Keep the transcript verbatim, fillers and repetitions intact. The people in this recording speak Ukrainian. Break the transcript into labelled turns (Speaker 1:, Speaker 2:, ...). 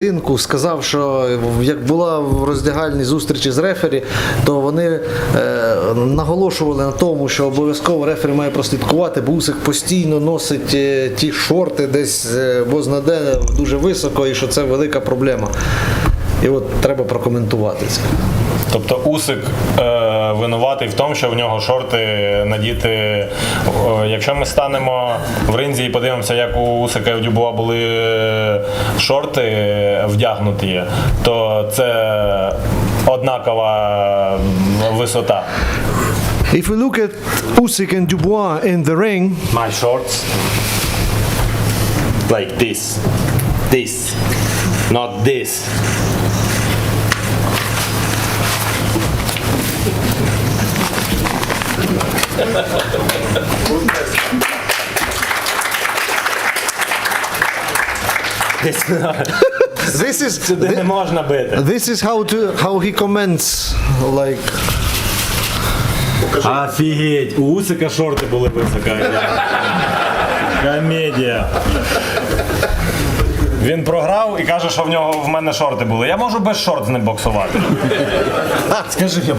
Speaker 1: Сказав, що як була в роздягальній зустрічі з рефері, то вони е, наголошували на тому, що обов'язково рефері має прослідкувати, бо Усик постійно носить е, ті шорти десь е, бозна-де дуже високо і що це велика проблема. І от треба прокоментувати це.
Speaker 2: Тобто Усик е, винуватий в тому, що в нього шорти надіти. Е, якщо ми станемо в ринзі і подивимося, як у Усика і у Дюбуа були шорти вдягнуті, то це однакова висота.
Speaker 3: If we look at Usyk and Dubois in the ring,
Speaker 2: My shorts like this. This. Not this.
Speaker 1: This is,
Speaker 2: Сюди не можна бити.
Speaker 1: this is how, to, how he comments, like...
Speaker 2: Офігеть, у Усика шорти були високо. Комедія. Він програв і каже, що в нього в мене шорти були. Я можу без шорт з ним боксувати. Скажи,